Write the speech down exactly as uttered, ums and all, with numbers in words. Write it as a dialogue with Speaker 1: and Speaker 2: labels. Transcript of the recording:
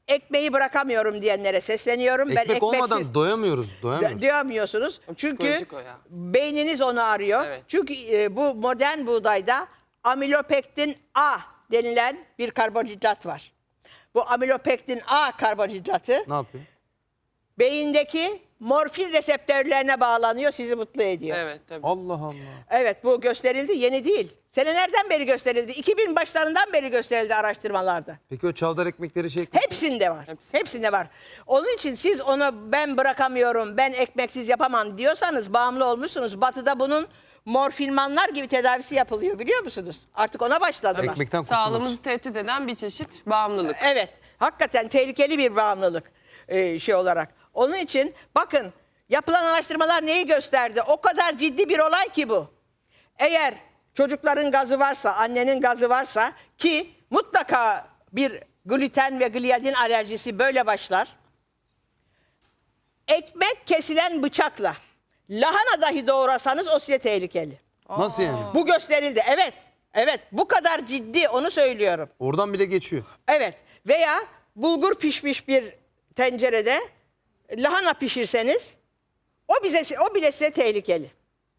Speaker 1: ekmeği bırakamıyorum diyenlere sesleniyorum.
Speaker 2: Ekmek,
Speaker 1: ben ekmeksiz
Speaker 2: olmadan doyamıyoruz. Doyamıyoruz.
Speaker 1: Diyemiyorsunuz. Çünkü beyniniz onu arıyor. Evet. Çünkü e, bu modern buğdayda amilopektin A denilen bir karbonhidrat var. Bu amilopektin A karbonhidratı
Speaker 2: Ne yapıyor?
Speaker 1: beyindeki morfin reseptörlerine bağlanıyor, sizi mutlu ediyor.
Speaker 3: Evet, tabii.
Speaker 2: Allah Allah.
Speaker 1: Evet, bu gösterildi, yeni değil. Senelerden beri gösterildi. iki bin başlarından beri gösterildi araştırmalarda.
Speaker 2: Peki o çavdar ekmekleri şey...
Speaker 1: Hepsinde var.
Speaker 3: Hepsinde.
Speaker 1: Hepsinde var. Onun için siz onu ben bırakamıyorum, ben ekmeksiz yapamam diyorsanız bağımlı olmuşsunuz. Batı'da bunun morfinmanlar gibi tedavisi yapılıyor, biliyor musunuz? Artık ona başladılar.
Speaker 2: Ekmekten kurtulmak
Speaker 3: Sağlığımızı
Speaker 2: için.
Speaker 3: tehdit eden bir çeşit bağımlılık.
Speaker 1: Evet, hakikaten tehlikeli bir bağımlılık e, şey olarak. Onun için bakın, yapılan araştırmalar neyi gösterdi? O kadar ciddi bir olay ki bu. Eğer çocukların gazı varsa, annenin gazı varsa, ki mutlaka bir gluten ve gliadin alerjisi böyle başlar. Ekmek kesilen bıçakla lahana dahi doğrasanız o size tehlikeli.
Speaker 2: Nasıl yani?
Speaker 1: Bu gösterildi. Evet. Evet. Bu kadar ciddi, onu söylüyorum.
Speaker 2: Oradan bile geçiyor.
Speaker 1: Evet. Veya bulgur pişmiş bir tencerede lahana pişirseniz o bize o bile size tehlikeli.